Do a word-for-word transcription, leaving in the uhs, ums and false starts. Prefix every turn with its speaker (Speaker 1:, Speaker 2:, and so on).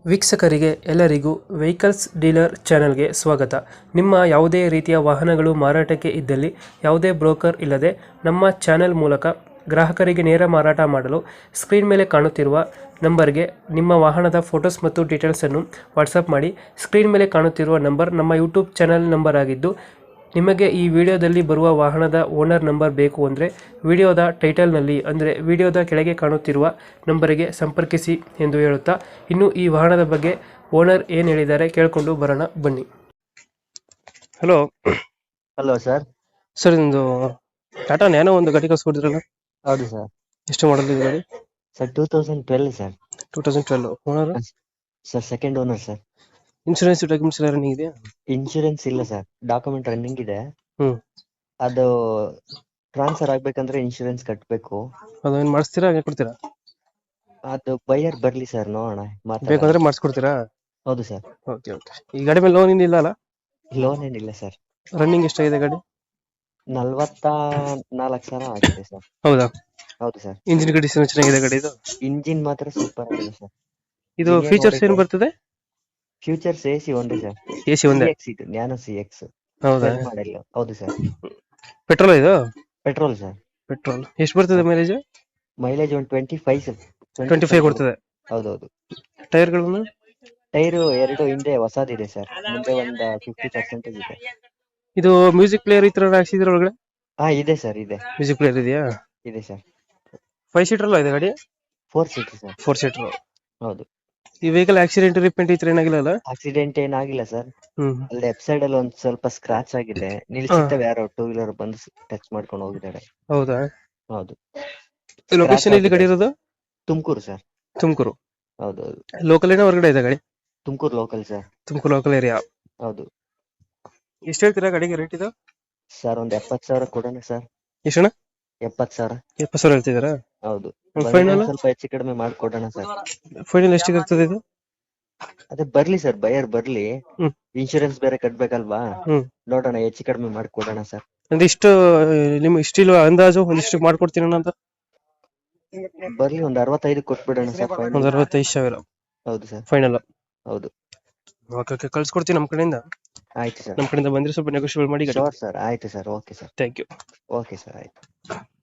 Speaker 1: ವೀಕ್ಷಕರಿಗೆ ಎಲ್ಲರಿಗೂ vehicles dealer ಚಾನೆಲ್ಗೆ ಸ್ವಾಗತ. ನಿಮ್ಮ ಯಾವುದೇ ರೀತಿಯ ವಾಹನಗಳು ಮಾರಾಟಕ್ಕೆ ಇದ್ದಲ್ಲಿ ಯಾವುದೇ ಬ್ರೋಕರ್ ಇಲ್ಲದೆ ನಮ್ಮ ಚಾನೆಲ್ ಮೂಲಕ ಗ್ರಾಹಕರಿಗೆ ನೇರ ಮಾರಾಟ ಮಾಡಲು ಸ್ಕ್ರೀನ್ ಮೇಲೆ ಕಾಣುತ್ತಿರುವ ನಂಬರ್ಗೆ ನಿಮ್ಮ ವಾಹನದ ಫೋಟೋಸ್ ಮತ್ತು ಡೀಟೇಲ್ಸನ್ನು ವಾಟ್ಸಪ್ ಮಾಡಿ. ಸ್ಕ್ರೀನ್ ಮೇಲೆ ಕಾಣುತ್ತಿರುವ ನಂಬರ್ ನಮ್ಮ ಯೂಟ್ಯೂಬ್ ಚಾನೆಲ್ ನಂಬರ್ ಆಗಿದ್ದು, ನಿಮಗೆ ಈ ವಿಡಿಯೋದಲ್ಲಿ ಬರುವ ವಾಹನದ ಓನರ್ ನಂಬರ್ ಬೇಕು ಅಂದರೆ ವಿಡಿಯೋದ ಟೈಟಲ್ನಲ್ಲಿ ಅಂದರೆ ವಿಡಿಯೋದ ಕೆಳಗೆ ಕಾಣುತ್ತಿರುವ ನಂಬರಿಗೆ ಸಂಪರ್ಕಿಸಿ ಎಂದು ಹೇಳುತ್ತಾ, ಇನ್ನು ಈ ವಾಹನದ ಬಗ್ಗೆ ಓನರ್ ಏನು ಹೇಳಿದ್ದಾರೆ ಕೇಳಿಕೊಂಡು ಬರೋಣ ಬನ್ನಿ. Hello
Speaker 2: hello sir.
Speaker 1: ಸರ್, ನಿಮ್ಮದು ಟಾಟಾ ನ್ಯಾನೋ ಒಂದು ಗಾಡಿ ಕಳಿಸ್ಕೊಡಿದ್ರಲ್ಲ,
Speaker 2: ಹೌದು ಸರ್.
Speaker 1: ಎಷ್ಟು ಮಾಡಲ್ ಇದೆ ಗಾಡಿ?
Speaker 2: Sir two thousand twelve sir.
Speaker 1: Two thousand twelve owner?
Speaker 2: Sir second owner sir.
Speaker 1: Insurance documents ಎಲ್ಲ ರನ್ನಿಂಗ್ ಇದೆಯಾ?
Speaker 2: ಇನ್ಶೂರೆನ್ಸ್ ಇಲ್ಲ ಸರ್, ಡಾಕ್ಯುಮೆಂಟ್ ರನ್ನಿಂಗ್ ಇದೆ.
Speaker 1: ಹ್ಮ್
Speaker 2: ಅದು ಟ್ರಾನ್ಸ್ಫರ್ ಆಗ್ಬೇಕಂದ್ರೆ ಇನ್ಶೂರೆನ್ಸ್ ಕಟ್ಟಬೇಕು.
Speaker 1: ಅದೇನು ಮಾಡಿಸ್ತೀರಾ, ಹಾಗೆ ಕೊಡ್ತೀರಾ?
Speaker 2: ಅದು ಬೈಯರ್ ಬರ್ಲಿ ಸರ್, ನೋಡೋಣ ಮಾತಾಡೋಣ.
Speaker 1: ಬೇಕಂದ್ರೆ ಮಾಡಿಸ್ಕೊಡ್ತೀರಾ?
Speaker 2: ಹೌದು ಸರ್.
Speaker 1: Okay okay. ಈ ಗಾಡಿ ಮೇಲೆ ಲೋನ್ ಏನಿಲ್ಲ ಅಲ್ಲ?
Speaker 2: ಲೋನ್ ಏನಿಲ್ಲ ಸರ್.
Speaker 1: ರನ್ನಿಂಗ್ ಎಷ್ಟಾಗಿದೆ ಗಾಡಿ?
Speaker 2: ನಲ್ವತ್ತ ನಾಲ್ಕು ಸಾವಿರ ಆಗಿದೆ ಸರ್.
Speaker 1: ಹೌದಾ?
Speaker 2: ಹೌದು ಸರ್.
Speaker 1: ಇಂಜಿನ್ ಕಂಡೀಷನ್ ಚೆನ್ನಾಗಿದೆ ಗಾಡಿ ಇದು?
Speaker 2: ಇಂಜಿನ್ ಮಾತ್ರ ಸೂಪರ್ ಆಗಿದೆ ಸರ್.
Speaker 1: ಇದು ಫೀಚರ್ಸ್ ಏನು ಬರ್ತದೆ?
Speaker 2: ಫ್ಯೂಚರ್ಸ್ ಎ ಸಿ ಒಂದೇ ಸರ್.
Speaker 1: ಎ ಸಿ ಒಂದೇ?
Speaker 2: ಇದು ನ್ಯಾನೋ ಸಿ ಎಕ್ಸ್
Speaker 1: ಹೌದಾ?
Speaker 2: ಮಾಡೆಲ್. ಹೌದು ಸರ್.
Speaker 1: ಪೆಟ್ರೋಲ್ ಇದು?
Speaker 2: Petrol sir.
Speaker 1: ಪೆಟ್ರೋಲ್ ಎಷ್ಟು ಬರ್ತದೆ ಮೈಲೇಜ್?
Speaker 2: ಮೈಲೇಜ್ ಒಂದು twenty five sir.
Speaker 1: Twenty five ಕೊಡ್ತದೆ?
Speaker 2: ಹೌದೌದು.
Speaker 1: ಟೈರ್ಗಳನ್ನು?
Speaker 2: ಟೈರು ಎರಡು ಹಿಂದೆ ಹೊಸದಿದೆ ಸರ್, ಮುಂದೆ ಒಂದು ಫಿಫ್ಟಿ ಪರ್ಸೆಂಟೇಜ್ ಇದೆ.
Speaker 1: ಇದು ಮ್ಯೂಸಿಕ್ ಪ್ಲೇಯರ್ ಈ ತರ ಹಾಕ್ಸಿದ್ರ ಒಳಗಡೆ?
Speaker 2: ಹಾ ಇದೆ ಸರ್, ಇದೆ.
Speaker 1: ಮ್ಯೂಸಿಕ್ ಪ್ಲೇಯರ್ ಇದೆಯಾ?
Speaker 2: ಇದೆ ಸರ್.
Speaker 1: ಫೈವ್ ಸೀಟರ್ ಅಲ್ಲ ಇದೆ ಗಾಡಿ?
Speaker 2: Four seater sir.
Speaker 1: Four seater.
Speaker 2: ಹೌದು.
Speaker 1: ಈ ವೆಹಿಕಲ್ ಆಕ್ಸಿಡೆಂಟ್ ರಿಪೇಂಟ್ ಈ ತರ ಏನಾಗಿಲ್ಲ ಅಲ್ಲ?
Speaker 2: ಆಕ್ಸಿಡೆಂಟ್ ಏನಾಗಿಲ್ಲ ಸರ್.
Speaker 1: ಹ್ಮ್.
Speaker 2: ಅಲ್ಲಿ ಲೆಫ್ಟ್ ಸೈಡ್ ಅಲ್ಲಿ ಒಂದ್ ಸ್ವಲ್ಪ ಸ್ಕ್ರಾಚ್ ಆಗಿದೆ. ನಿಲ್ಸಿರ್ತವೆ ಯಾರೋ ಟೂ ವೀಲರ್ ಬಂದು ಟಚ್ ಮಾಡ್ಕೊಂಡು ಹೋಗಿದ್ದಾರೆ.
Speaker 1: ಹೌದಾ?
Speaker 2: ಹೌದು.
Speaker 1: ಲೊಕೇಶನ್ ಎಲ್ಲಿ ಗಾಡಿ ಇರೋದು?
Speaker 2: ತುಮಕೂರು ಸರ್.
Speaker 1: ತುಮಕೂರು?
Speaker 2: ಹೌದೌದು.
Speaker 1: ಲೋಕಲ್ ಏನೋ ಹೊರಗಡೆ ಇದೆ ಗಾಡಿ?
Speaker 2: Tumakuru local sir.
Speaker 1: Tumakuru local area?
Speaker 2: ಹೌದು.
Speaker 1: ಎಷ್ಟು ಹೇಳ್ತೀರಾ ಗಾಡಿಗೆ ರೇಟ್ ಇದು?
Speaker 2: ಸರ್ ಒಂದ್ ಎಪ್ಪತ್ ಸಾವಿರ ಕೊಡೋಣ ಸರ್.
Speaker 1: ಎಷ್ಟಣ್ಣ? ಎಪ್ಪತ್
Speaker 2: ಸಾವಿರ.
Speaker 1: ಎಪ್ಪತ್ ಸಾವಿರ ಹೇಳ್ತಿದ್ದೀರಾ?
Speaker 2: ಹೌದು.
Speaker 1: ಫೈನಲ್
Speaker 2: ಸ್ವಲ್ಪ ಹೆಚ್ಚು ಕಡಿಮೆ ಮಾಡ್ಕೊಡೋಣ ಸರ್.
Speaker 1: ಫೈನಲ್ ಎಷ್ಟಿಗೆ ಆಗ್ತದೆ ಇದು?
Speaker 2: ಅದೇ ಬರ್ಲಿ ಸರ್, ಬೈಯರ್ ಬರ್ಲಿ.
Speaker 1: ಹ್ಮ್.
Speaker 2: ಇನ್ಶೂರೆನ್ಸ್ ಬೇರೆ ಕಟ್ಬೇಕಲ್ವಾ?
Speaker 1: ಹ್ಮ್.
Speaker 2: ನೋಡೋಣ, ಹೆಚ್ಚು ಕಡಿಮೆ ಮಾಡ್ಕೊಡೋಣ ಸರ್.
Speaker 1: ಅಂದ್ರೆ ಇಷ್ಟು ನಿಮ್ ಇಷ್ಟಿಲ್ವ ಅಂದಾಜು ಒಂದಿಷ್ಟು ಮಾಡ್ಕೊಡ್ತೀನಿ ಅಂತ?
Speaker 2: ಬರ್ಲಿ, ಒಂದ್ ಅರವತ್ತೈದು ಕೊಟ್ಬಿಡೋಣ ಸರ್.
Speaker 1: ಒಂದ್ ಅರವತ್ತೈದು ಸಾವಿರ?
Speaker 2: ಹೌದು ಸರ್.
Speaker 1: ಫೈನಲ್?
Speaker 2: ಹೌದು.
Speaker 1: ಓಕೆ ಓಕೆ, ಕಳ್ಸ್ಕೊಡ್ತೀನಿ ನಮ್ಮ ಕಡೆಯಿಂದ.
Speaker 2: ಆಯ್ತು ಸರ್.
Speaker 1: ನಮ್ಮ ಕಡೆಯಿಂದ ಬಂದ್ರೆ ಸ್ವಲ್ಪ ನೆಗೋಷಿಯೇಟ್ ಮಾಡಿ.
Speaker 2: ಶೋರ್ ಸರ್, ಆಯ್ತು sir. Okay sir.
Speaker 1: Thank you.
Speaker 2: Okay sir, ಆಯ್ತು.